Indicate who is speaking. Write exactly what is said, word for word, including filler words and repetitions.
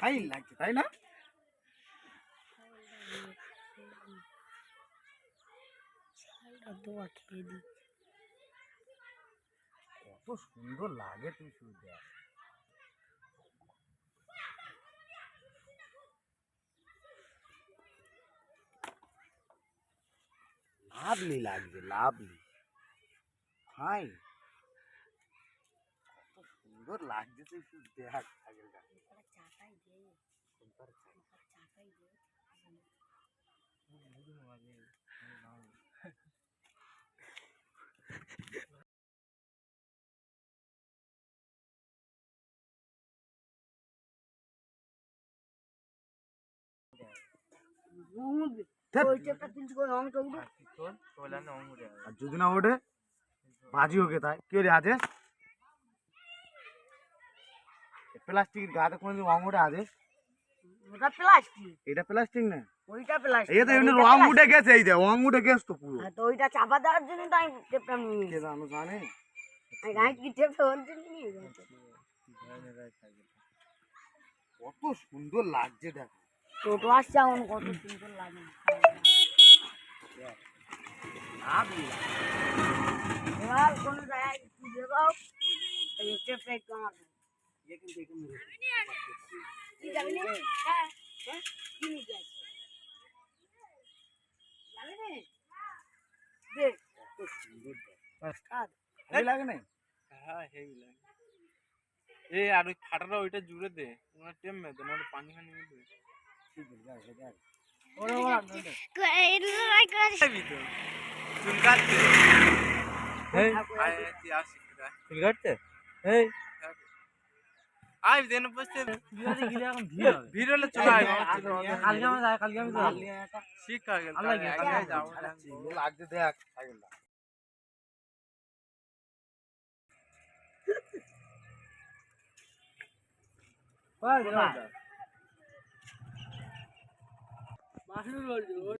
Speaker 1: Fine লাগছে তাই না? কত সুন্দর লাগে তুই শুধু দেখ। লাভলি লাগছে, লাভলি ফাইন, কত সুন্দর লাগছে তুই শুধু দেখ। যদি না ওঠে বাজি হোক তাই কি আদেশ প্লাস্টিকের গাতে কোনদিন রং উঠে আদেশ?
Speaker 2: ওটা প্লাস্টিক,
Speaker 1: এটা প্লাস্টিক না,
Speaker 2: ওইটা প্লাস্টিক।
Speaker 1: এই তো এমনি রং উঠে গেছে, এই যে রং উঠে গেছে তো পুরো।
Speaker 2: তো ওইটা চাপা দেওয়ার জন্য তো আমি টেপটা নিয়ে
Speaker 1: কে জানো জানে
Speaker 2: আমি গাইড কি টেপটা ওর জন্য নিয়ে গেছে।
Speaker 1: কত সুন্দর লাগছে দেখো।
Speaker 2: টোটো আসছে এখন কত সুন্দর লাগে। এবার কোনো জায়গায় খুঁজে পাও এই টেপটা একটু আমার কি যাবি না? হ্যাঁ হ্যাঁ কি নিয়ে আসছে যাবে না দেখ
Speaker 1: কত সুন্দর
Speaker 2: কাজ
Speaker 1: ভালো লাগে না?
Speaker 3: হ্যাঁ হেভি লাগে। এই আর ওই ফাটাটা ওইটা জুড়ে দে, ওনার টেম মে দে, নাহলে পানি ফানি মে দে।
Speaker 1: ঠিক আছে যাও যাও
Speaker 2: ওরে ওরা
Speaker 3: যাবি তো চুল কাটতে। এই আয় তুই আসি চুল কাটতে। এই আই দেন বসতে
Speaker 1: বিরাতে গিয়ে এখন ভিড় হবে।
Speaker 3: ভিড় হলে চলে আয়।
Speaker 1: কালকে আমি যাই, কালকে আমি যাই।
Speaker 3: শিখ আগে
Speaker 1: আল্লাহ
Speaker 3: আগে
Speaker 1: আগে
Speaker 3: যাও।
Speaker 1: লাগছে দেখ সাইকেলটা।
Speaker 2: মাসুর বলছো